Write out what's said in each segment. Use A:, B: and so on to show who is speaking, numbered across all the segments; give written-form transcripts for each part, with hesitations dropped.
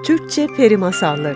A: Türkçe Peri Masalları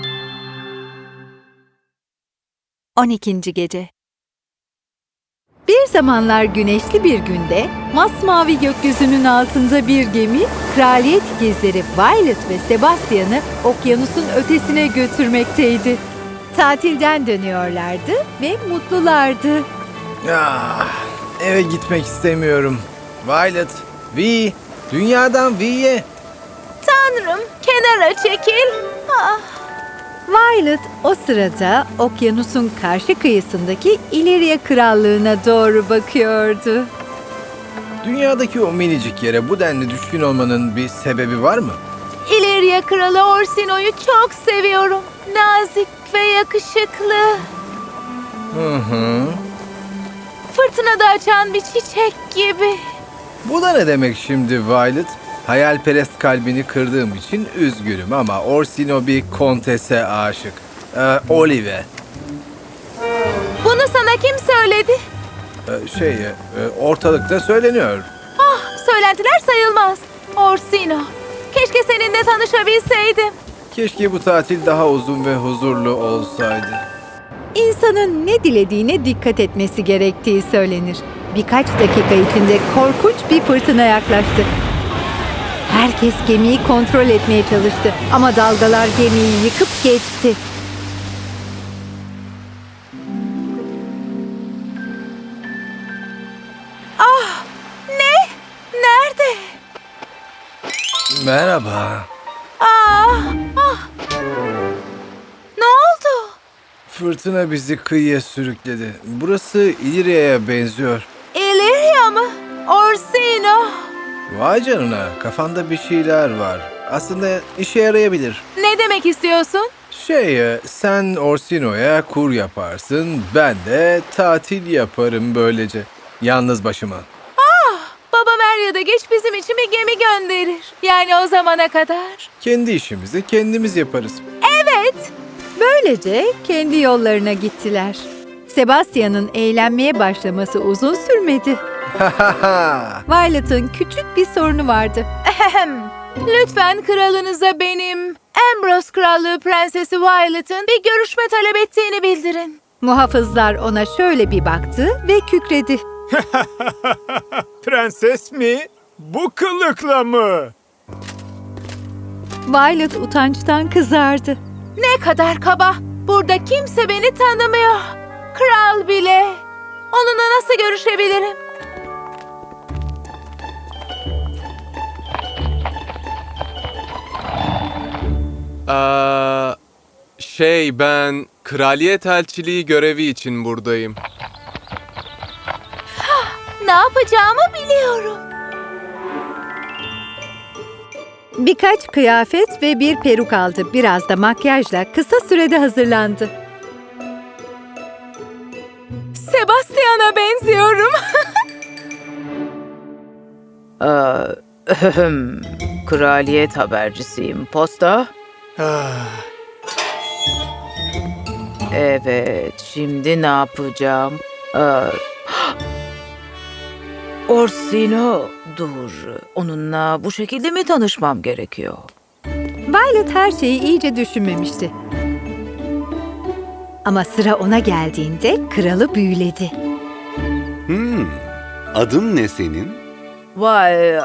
B: 12. Gece. Bir zamanlar güneşli bir günde, masmavi gökyüzünün altında bir gemi, kraliyet ikizleri Violet ve Sebastian'ı okyanusun ötesine götürmekteydi. Tatilden dönüyorlardı ve mutlulardı.
C: Eve gitmek istemiyorum. Violet, Vi, dünyadan Vi'ye.
D: Tanrım, kenara çekil.
B: Violet o sırada okyanusun karşı kıyısındaki İleriya Krallığı'na doğru bakıyordu.
C: Dünyadaki o minicik yere bu denli düşkün olmanın bir sebebi var mı?
D: İleriya Kralı Orsino'yu çok seviyorum. Nazik ve yakışıklı.
C: Hı.
D: Fırtınada açan bir çiçek gibi.
C: Bu da ne demek şimdi Violet? Hayalperest kalbini kırdığım için üzgünüm ama Orsino bir kontese aşık. Olive.
D: Bunu sana kim söyledi?
C: Ortalıkta söyleniyor.
D: Söylentiler sayılmaz. Orsino, keşke seninle tanışabilseydim.
C: Keşke bu tatil daha uzun ve huzurlu olsaydı.
B: İnsanın ne dilediğine dikkat etmesi gerektiği söylenir. Birkaç dakika içinde korkunç bir fırtına yaklaştı. Herkes gemiyi kontrol etmeye çalıştı ama dalgalar gemiyi yıkıp geçti.
D: Ne? Nerede?
C: Merhaba.
D: Ne oldu?
C: Fırtına bizi kıyıya sürükledi. Burası İlirya'ya benziyor.
D: İleriya mı? Orsino.
C: Vay canına, kafanda bir şeyler var. Aslında işe yarayabilir.
D: Ne demek istiyorsun?
C: Sen Orsino'ya kur yaparsın, ben de tatil yaparım böylece. Yalnız başıma.
D: Babam er ya da geç bizim için bir gemi gönderir. Yani o zamana kadar.
C: Kendi işimizi kendimiz yaparız.
D: Evet.
B: Böylece kendi yollarına gittiler. Sebastian'ın eğlenmeye başlaması uzun sürmedi. Violet'ın küçük bir sorunu vardı.
D: Lütfen kralınıza benim Ambrose Krallığı Prensesi Violet'ın bir görüşme talep ettiğini bildirin.
B: Muhafızlar ona şöyle bir baktı ve kükredi.
E: Prenses mi? Bu kılıkla mı?
B: Violet utançtan kızardı.
D: Ne kadar kaba. Burada kimse beni tanımıyor. Kral bile. Onunla nasıl görüşebilirim?
F: Ben kraliyet elçiliği görevi için buradayım.
D: Ne yapacağımı biliyorum.
B: Birkaç kıyafet ve bir peruk aldı. Biraz da makyajla kısa sürede hazırlandı.
D: Sebastian'a benziyorum.
G: Kraliyet habercisiyim. Posta? Evet, şimdi ne yapacağım? Orsino, dur. Onunla bu şekilde mi tanışmam gerekiyor?
B: Violet her şeyi iyice düşünmemişti. Ama sıra ona geldiğinde kralı büyüledi.
H: Adın ne senin?
G: Vay,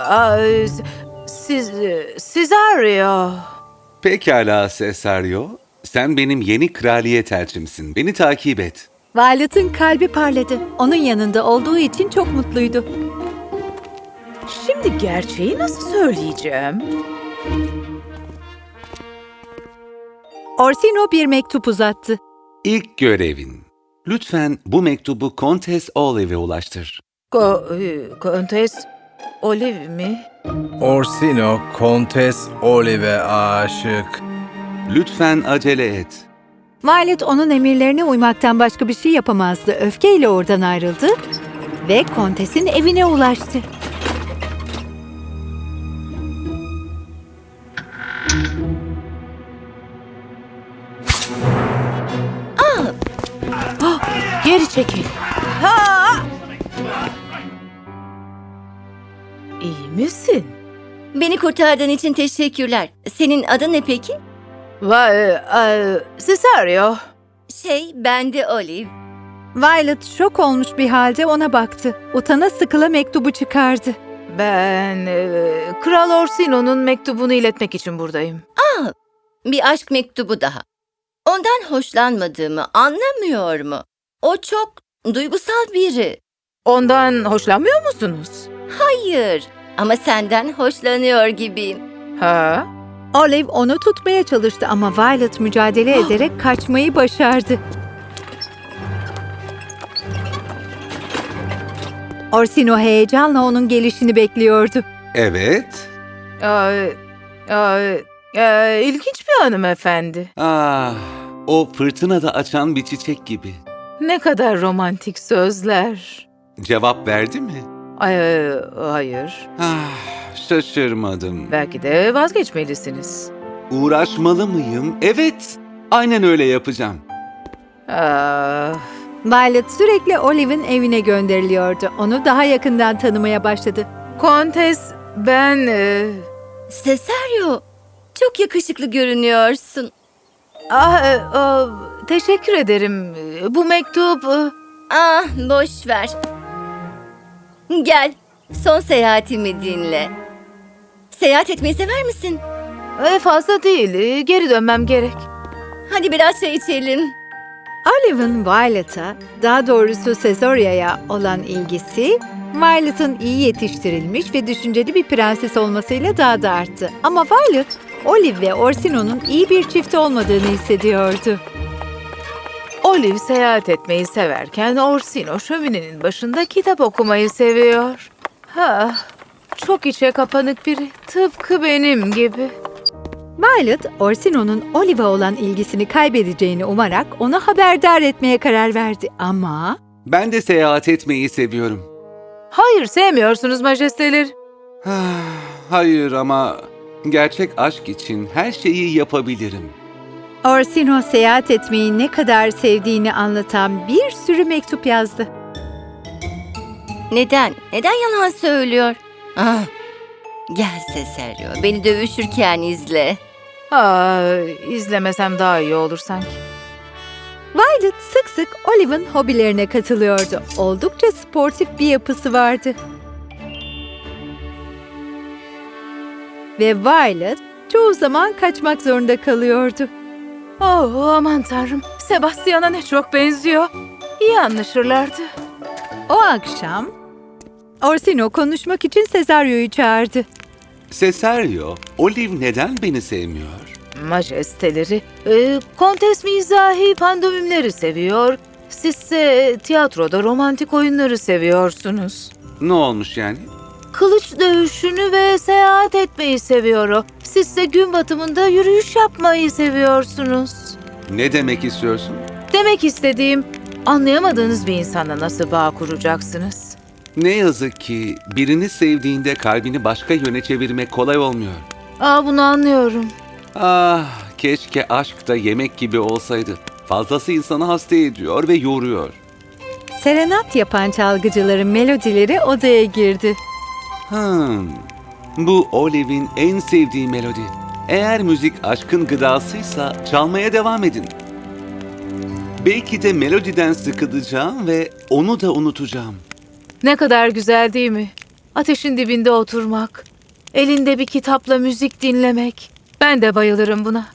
G: siz arıyor.
H: Pekala Cesario. Sen benim yeni kraliyet elçimsin. Beni takip et.
B: Violet'ın kalbi parladı. Onun yanında olduğu için çok mutluydu.
G: Şimdi gerçeği nasıl söyleyeceğim?
B: Orsino bir mektup uzattı.
H: İlk görevin. Lütfen bu mektubu Kontes Olive'e ulaştır.
G: Kontes Olive mi?
C: Orsino, Kontes Olive aşık.
H: Lütfen acele et.
B: Violet onun emirlerine uymaktan başka bir şey yapamazdı. Öfkeyle oradan ayrıldı ve kontesin evine ulaştı.
G: Geri çekil. İyi misin?
A: Beni kurtardığın için teşekkürler. Senin adın ne peki?
G: Cesario.
A: Ben de Olive.
B: Violet şok olmuş bir halde ona baktı. Utana sıkıla mektubu çıkardı.
G: Ben Kral Orsino'nun mektubunu iletmek için buradayım.
A: Bir aşk mektubu daha. Ondan hoşlanmadığımı anlamıyor mu? O çok duygusal biri.
G: Ondan hoşlanmıyor musunuz?
A: Hayır ama senden hoşlanıyor gibiyim.
G: Ha?
B: Olive onu tutmaya çalıştı ama Violet mücadele ederek kaçmayı başardı. Orsino heyecanla onun gelişini bekliyordu.
H: Evet.
G: İlginç bir hanımefendi.
H: Ah, o fırtınada açan bir çiçek gibi.
G: Ne kadar romantik sözler.
H: Cevap verdi mi?
G: Hayır.
H: Ah, şaşırmadım.
G: Belki de vazgeçmelisiniz.
H: Uğraşmalı mıyım? Evet. Aynen öyle yapacağım.
G: Ah,
B: Violet sürekli Olive'in evine gönderiliyordu. Onu daha yakından tanımaya başladı.
G: Kontes, ben...
A: Cesario, çok yakışıklı görünüyorsun.
G: Teşekkür ederim. Bu mektup...
A: Boş ver. Gel, son seyahatimi dinle. Seyahat etmeyi sever misin?
G: Fazla değil. Geri dönmem gerek.
A: Hadi biraz çay içelim.
B: Olive'ın Violet'a, daha doğrusu Cesaria'ya olan ilgisi, Violet'ın iyi yetiştirilmiş ve düşünceli bir prenses olmasıyla daha da arttı. Ama Violet, Olive ve Orsino'nun iyi bir çift olmadığını hissediyordu.
G: Olive seyahat etmeyi severken Orsino şöminenin başında kitap okumayı seviyor. Çok içe kapanık biri. Tıpkı benim gibi.
B: Violet, Orsino'nun Olive'a olan ilgisini kaybedeceğini umarak onu haberdar etmeye karar verdi. Ama
H: Ben de seyahat etmeyi seviyorum.
G: Hayır, sevmiyorsunuz majesteleri.
H: Ah, hayır ama gerçek aşk için her şeyi yapabilirim.
B: Orsino seyahat etmeyi ne kadar sevdiğini anlatan bir sürü mektup yazdı.
A: Neden? Neden yalan söylüyor? Gel Cesario, beni dövüşürken izle.
G: İzlemesem daha iyi olur sanki.
B: Violet sık sık Olive'ın hobilerine katılıyordu. Oldukça sportif bir yapısı vardı. Ve Violet çoğu zaman kaçmak zorunda kalıyordu.
G: Aman tanrım, Sebastian'a ne çok benziyor. İyi anlaşırlardı.
B: O akşam Orsino konuşmak için Cesario'yu çağırdı.
H: Cesario, Olive neden beni sevmiyor?
G: Majesteleri, kontes mizahi pandomimleri seviyor. Sizse tiyatroda romantik oyunları seviyorsunuz.
H: Ne olmuş yani?
G: Kılıç dövüşünü ve seyahat etmeyi seviyor o. Sizse gün batımında yürüyüş yapmayı seviyorsunuz.
H: Ne demek istiyorsun?
G: Demek istediğim, anlayamadığınız bir insanla nasıl bağ kuracaksınız?
H: Ne yazık ki birini sevdiğinde kalbini başka yöne çevirmek kolay olmuyor.
G: Bunu anlıyorum.
H: Ah, keşke aşk da yemek gibi olsaydı. Fazlası insanı hasta ediyor ve yoruyor.
B: Serenat yapan çalgıcıların melodileri odaya girdi.
H: Bu Olive'in en sevdiği melodi. Eğer müzik aşkın gıdasıysa çalmaya devam edin. Belki de melodiden sıkılacağım ve onu da unutacağım.
G: Ne kadar güzel değil mi? Ateşin dibinde oturmak, elinde bir kitapla müzik dinlemek. Ben de bayılırım buna.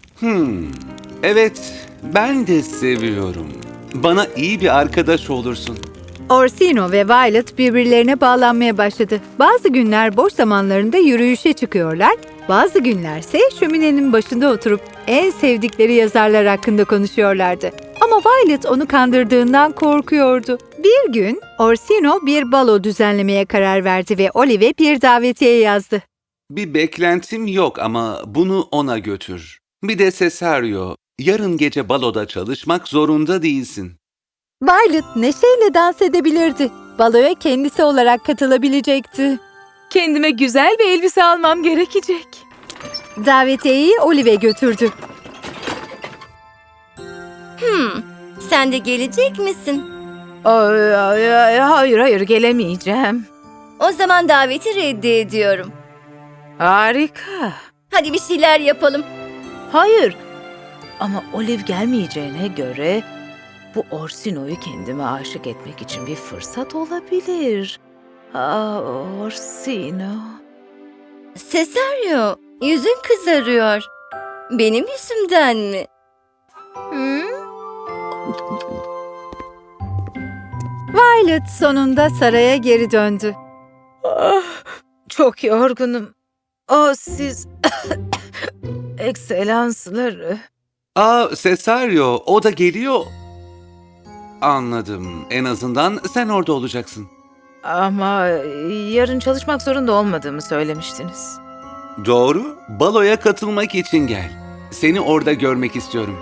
H: Evet, ben de seviyorum. Bana iyi bir arkadaş olursun.
B: Orsino ve Violet birbirlerine bağlanmaya başladı. Bazı günler boş zamanlarında yürüyüşe çıkıyorlar, bazı günlerse şöminenin başında oturup en sevdikleri yazarlar hakkında konuşuyorlardı. Ama Violet onu kandırdığından korkuyordu. Bir gün Orsino bir balo düzenlemeye karar verdi ve Olive'e bir davetiye yazdı.
H: Bir beklentim yok ama bunu ona götür. Bir de Cesario, yarın gece baloda çalışmak zorunda değilsin.
B: Violet neşeyle dans edebilirdi. Baloya kendisi olarak katılabilecekti.
G: Kendime güzel bir elbise almam gerekecek.
B: Davetiyeyi Olive'e götürdü.
A: Sen de gelecek misin?
G: Hayır gelemeyeceğim.
A: O zaman daveti reddediyorum.
G: Harika.
A: Hadi bir şeyler yapalım.
G: Hayır. Ama Olive gelmeyeceğine göre bu Orsino'yu kendime aşık etmek için bir fırsat olabilir. Orsino.
A: Cesario, yüzün kızarıyor. Benim yüzümden mi?
B: Violet sonunda saraya geri döndü.
G: Çok yorgunum. Siz... Ekselansları.
H: Cesario, o da geliyor. Anladım. En azından sen orada olacaksın.
G: Ama yarın çalışmak zorunda olmadığımı söylemiştiniz.
H: Doğru. Baloya katılmak için gel. Seni orada görmek istiyorum.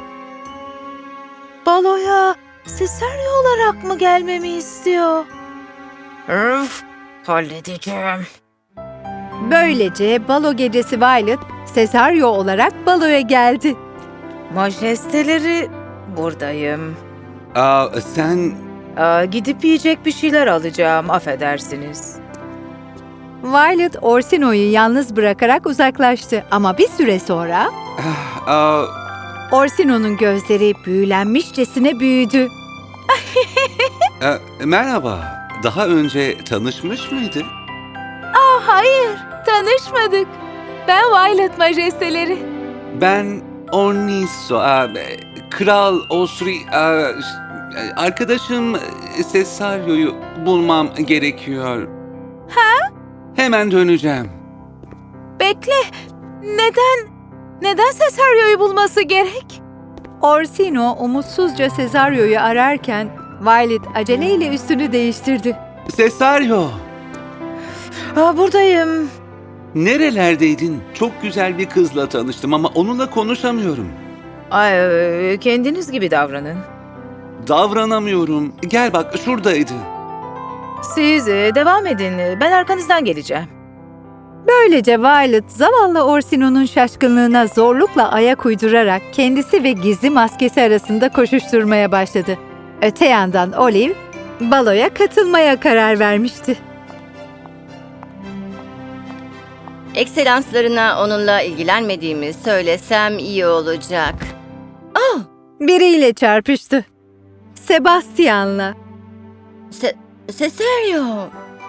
G: Baloya Cesario olarak mı gelmemi istiyor? Öf, halledeceğim.
B: Böylece balo gecesi Violet, Cesario olarak baloya geldi.
G: Majesteleri, buradayım.
H: Sen...
G: Gidip yiyecek bir şeyler alacağım, affedersiniz.
B: Violet, Orsino'yu yalnız bırakarak uzaklaştı ama bir süre sonra Orsino'nun gözleri büyülenmişçesine büyüdü.
H: Merhaba. Daha önce tanışmış mıydı?
D: Hayır, tanışmadık. Ben Violet majesteleri.
H: Ben Orniso, Kral Osri, arkadaşım Cesario'yu bulmam gerekiyor. Hemen döneceğim.
D: Bekle, neden Cesario'yu bulması gerek?
B: Orsino umutsuzca Cesario'yu ararken Violet aceleyle üstünü değiştirdi.
H: Cesario,
G: Buradayım.
H: nerelerdeydin? Çok güzel bir kızla tanıştım ama onunla konuşamıyorum.
G: Kendiniz gibi davranın.
H: Davranamıyorum. Gel bak, şuradaydı.
G: Siz devam edin, ben arkanızdan geleceğim.
B: Böylece Violet zavallı Orsino'nun şaşkınlığına zorlukla ayak uydurarak kendisi ve gizli maskesi arasında koşuşturmaya başladı. Öte yandan Olive baloya katılmaya karar vermişti.
A: Ekselanslarına onunla ilgilenmediğimi söylesem iyi olacak.
B: Biriyle çarpıştı. Sebastian'la.
A: Cesario.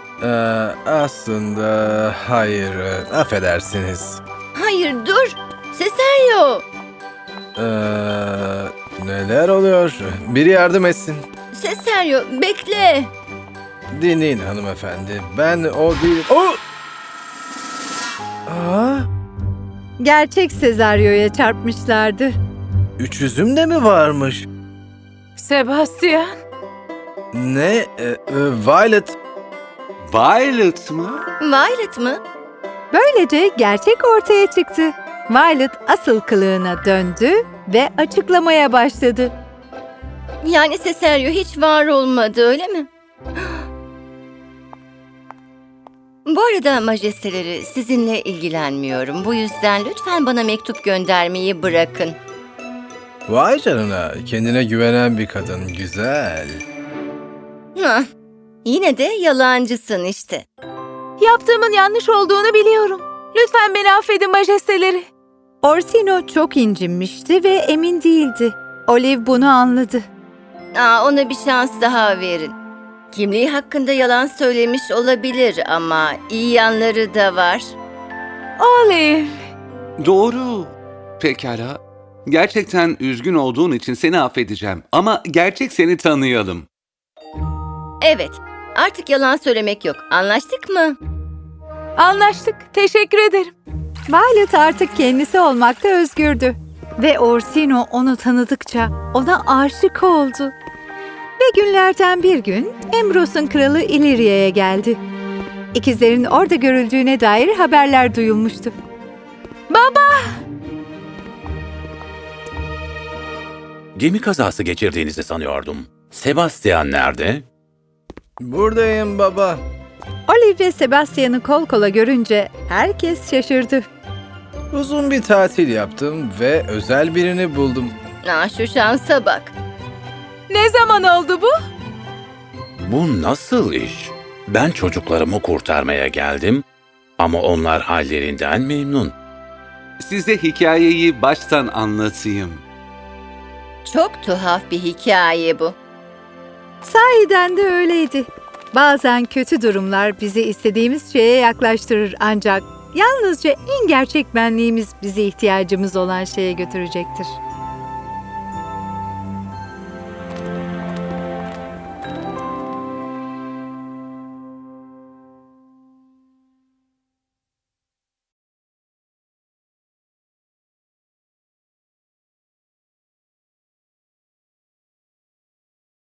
C: Aslında hayır, affedersiniz.
A: Hayır dur. Cesario.
C: Neler oluyor? Biri yardım etsin.
A: Cesario bekle.
C: Dinleyin hanımefendi. Ben o değil... Oh!
B: Gerçek Cesario'ya çarpmışlardı.
C: Üç üzüm de mi varmış?
G: Sebastian.
C: Ne? Violet.
H: Violet mı?
A: Violet mı?
B: Böylece gerçek ortaya çıktı. Violet asıl kılığına döndü ve açıklamaya başladı.
A: Yani Cesario hiç var olmadı öyle mi? Bu arada majesteleri sizinle ilgilenmiyorum. Bu yüzden lütfen bana mektup göndermeyi bırakın.
C: Vay canına, kendine güvenen bir kadın. Güzel.
A: Hah, yine de yalancısın işte.
D: Yaptığımın yanlış olduğunu biliyorum. Lütfen beni affedin majesteleri.
B: Orsino çok incinmişti ve emin değildi. Olive bunu anladı.
A: Ona bir şans daha verin. Kimliği hakkında yalan söylemiş olabilir ama iyi yanları da var.
D: Olive.
H: Doğru. Pekala. Gerçekten üzgün olduğun için seni affedeceğim. Ama gerçek seni tanıyalım.
A: Evet, artık yalan söylemek yok. Anlaştık mı?
D: Anlaştık. Teşekkür ederim.
B: Violet artık kendisi olmakta özgürdü. Ve Orsino onu tanıdıkça ona aşık oldu. Ve günlerden bir gün Ambros'un kralı Illyria'ya geldi. İkizlerin orada görüldüğüne dair haberler duyulmuştu.
I: Gemi kazası geçirdiğinizi sanıyordum. Sebastian nerede?
C: Buradayım baba.
B: Olive ve Sebastian'ı kol kola görünce herkes şaşırdı.
C: Uzun bir tatil yaptım ve özel birini buldum.
A: Şu şansa bak.
D: Ne zaman oldu bu?
I: Bu nasıl iş? Ben çocuklarımı kurtarmaya geldim. Ama onlar hallerinden memnun.
H: Size hikayeyi baştan anlatayım.
A: Çok tuhaf bir hikaye bu.
B: Sahiden de öyleydi. Bazen kötü durumlar bizi istediğimiz şeye yaklaştırır ancak yalnızca en gerçek benliğimiz bizi ihtiyacımız olan şeye götürecektir.